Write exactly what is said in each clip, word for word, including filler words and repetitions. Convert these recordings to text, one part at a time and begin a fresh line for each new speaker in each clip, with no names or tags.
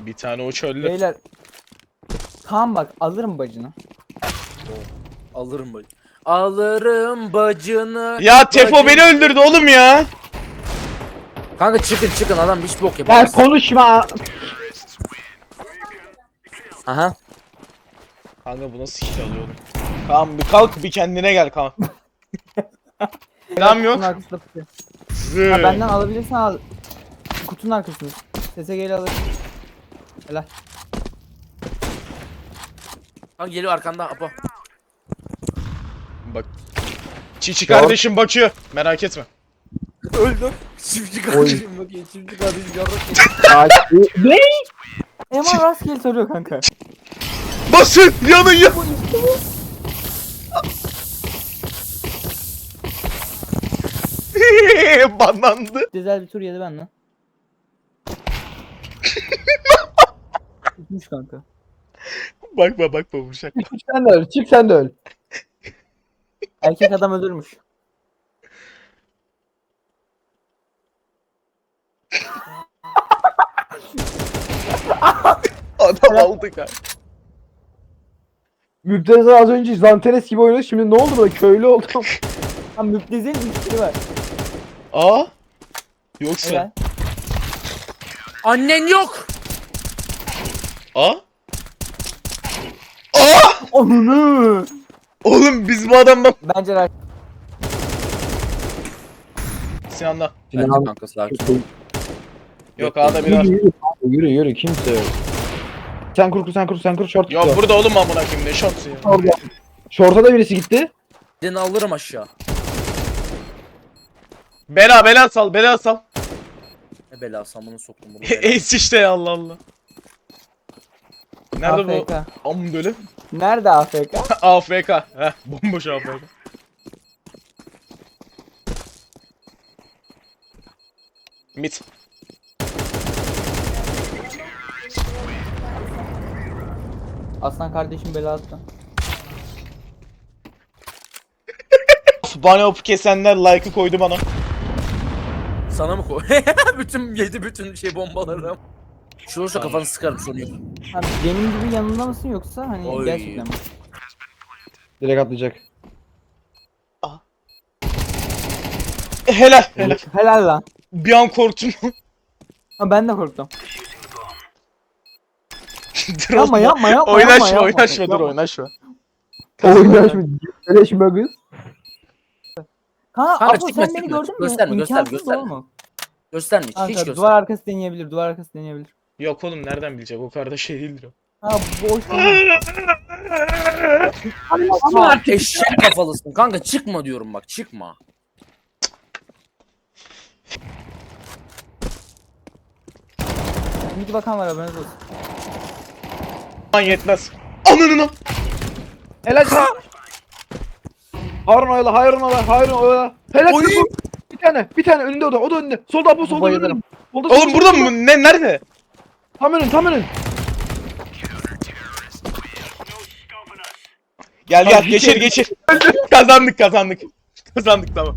Bir tane o çöllü.
Beyler. Tamam bak alırım bacını.
Alırım bacını. Alırım bacını.
Ya Tefo
bacını.
beni öldürdü oğlum ya.
Kanka çıkın çıkın adam hiç bok
Ya
yapamaz.
konuşma.
Aha.
Kanka bu nasıl kill alıyor oğlum? Kaan bir kalk bir kendine gel Kaan. Selam yok.
Kutunun arkasında tutuyor.
Zı.
Ha benden alabilirsen al. Kutunun arkasında. S S G'yle alır. Helal.
Kanka geliyor arkanda Apo.
Bak. Çiçi kardeşim bakıyor. Merak etme.
Öldüm. Çiftçi kardeşim bakıyor. Çiftçi kardeşim yarrak.
Ay, ne?
Eman rastgele soruyor kanka.
Basın yanın ya. Banlandı.
Güzel bir tur yedi benden. Tutmuş kanka.
Bakma bakma vuracak.
Çık sen de öl. Çık sen de öl.
Erkek adam ölürmüş.
Adam aldı kanka.
Müptezel az önce Zanteres gibi oynadı. Şimdi ne oldu böyle köylü oldum.
Ha müptezelin ilişkili var.
Aa. Yoksa.
Helal.
Annen yok.
Aa. Aa.
Onunu.
Oğlum biz bu adam bak.
Bence rahat.
Sinan'la.
Bence kanka sakin.
Yok A'da bir
Yürü
var.
yürü. Yürü yürü kimse yok. Sen kur kur sen kur sen kur short
Yok
tutuyor.
burada oğlum amına koyayım ne şotsun ya.
Orada. Short'a da birisi gitti.
Seni alırım aşağı.
Bela bela sal bela sal.
Ne bela samını soktum bunu. bela.
Ace işte ya Allah Allah. Nerede
A F K.
bu? Am böyle.
Nerede A F K?
A F K. Heh bomboş A F K. Mit.
Aslan kardeşim bela attı.
Bana op kesenler like'ı koydu bana.
Sana mı koy? bütün yedi bütün şey bombaları. Şu olursa kafanı sıkarım sorun yok.
Ha, benim gibi yanında mısın yoksa hani
Oy.
gerçekten mi?
Direkt atlayacak.
Helal helal.
Helal lan.
Bir an korktum.
Ha ben de korktum.
Dur
Yapma
oğlum.
yapma yapma.
Oynaşma
yapma, yapma.
oynaşma dur
Yapma.
oynaşma.
Oynaşma. Geleşme kız.
Kanka,
Kanka,
Apo
çıkma,
sen beni
çıkma.
gördün mü?
Gösterme, gösterme,
İmkansız
gösterme.
oğlum.
Gösterme hiç, hiç
Kanka
gösterme.
duvar arkası deneyebilir, duvar arkası deneyebilir.
Yok oğlum nereden bilecek o kadar da şey değildir o.
Ha boş değil.
Ama eşek kafalısın kanka çıkma diyorum bak çıkma.
Midi bakan var haberiniz olsun.
Lan yetmez. Ananına.
Helal. Harun oyla, Harun oyla, Harun oyla. Helal.
Oy.
Bir tane, bir tane önünde o da, o da önünde. Solda Apo, solda
Bayılırım.
önünde. Solda,
Oğlum
solda,
burada
solda.
mı? Ne nerede?
Tam önün, tam önün.
Gel gel
Abi,
geçir
bir
geçir. Kazandık kazandık. Kazandık tamam.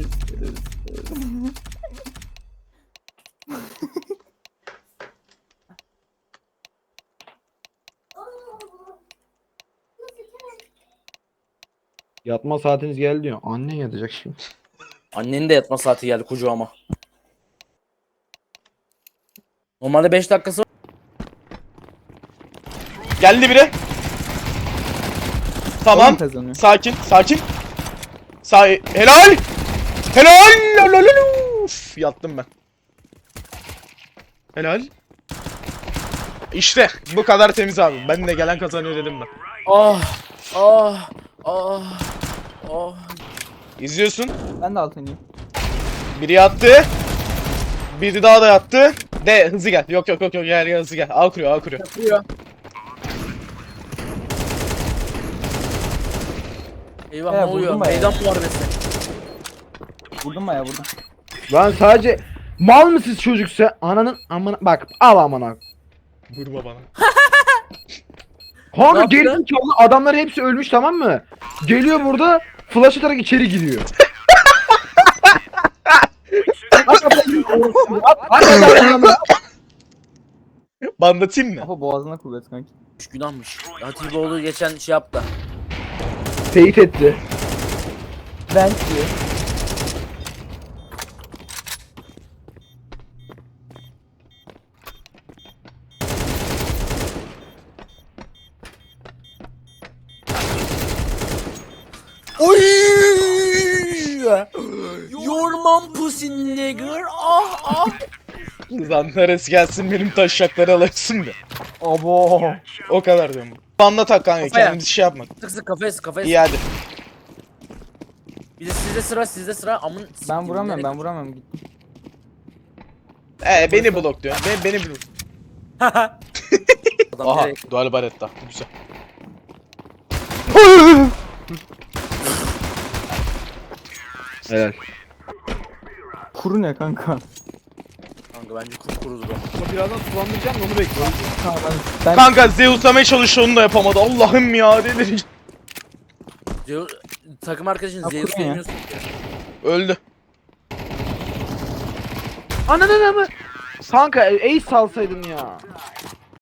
Yatma saatiniz geldi diyor. Annen yatacak şimdi.
Annenin de yatma saati geldi kucağıma. Normalde beş dakikası var.
Geldi biri. Tamam.
Oyun kazanıyor.
Sakin sakin. Sa helal. Helal. Lalalala. Uf, yattım ben. Helal. İşte bu kadar temiz abi. Ben de gelen kazanıyor dedim ben.
Ah ah ah ah.
İzliyorsun.
Ben de altınıyım.
Biri yattı. Biri daha da yattı. De hızlı gel. Yok yok yok yok gel gel hızlı gel. A kuruyor A kuruyor.
Yapıyor. Eyvah
He,
ne oluyor?
vurdum bayağı.
Meydan muharebesi.
Vurdum bayağı vurdum.
Lan sadece mal mısınız çocuk sen? Ananın amına bak al amına.
Vurma bana.
Kanka
Ne yaptı?
gerizekalı adamlar hepsi ölmüş tamam mı? Geliyor burada flash atarak içeri giriyor. At, at, at, at, at, at, at.
Bandatayım mı?
Kafa boğazına kuvvet kanki.
Üç günahmış. Hatipoğlu geçen şey yaptı.
Teyit etti.
Ben diyor.
Oy! Your mom pussy nigger. Ah ah.
Lan neresi gelsin benim taşakları alırsın da.
Abo.
O kadar diyorum. Banla tak kanka
Kafaya.
kendimiz şey yapma.
Sık sık kafaya sık kafaya
İyi
sık.
hadi.
Bir de sizde sıra sizde sıra amın.
Ben
siktim,
vuramıyorum
nereye-
ben vuramıyorum. Gittim.
Ee beni blok diyor. Ben, beni blok.
Adam
Aha
direkt-
dual baretta. Güzel.
Helal.
Kuru ne kanka?
Kanka bence kurkurudur o.
Ama birazdan sulandıracağım da onu bekliyorum.
Kanka ben, ben
Kanka Zeus'lamaya çalışıyor onu da yapamadı. Allah'ım ya delireceğim.
Zeus, takım arkadaşın
Ya,
Zeus
kurun ya.
demiyorsun ki.
Öldü.
Ananın ama. Kanka ace salsaydın ya.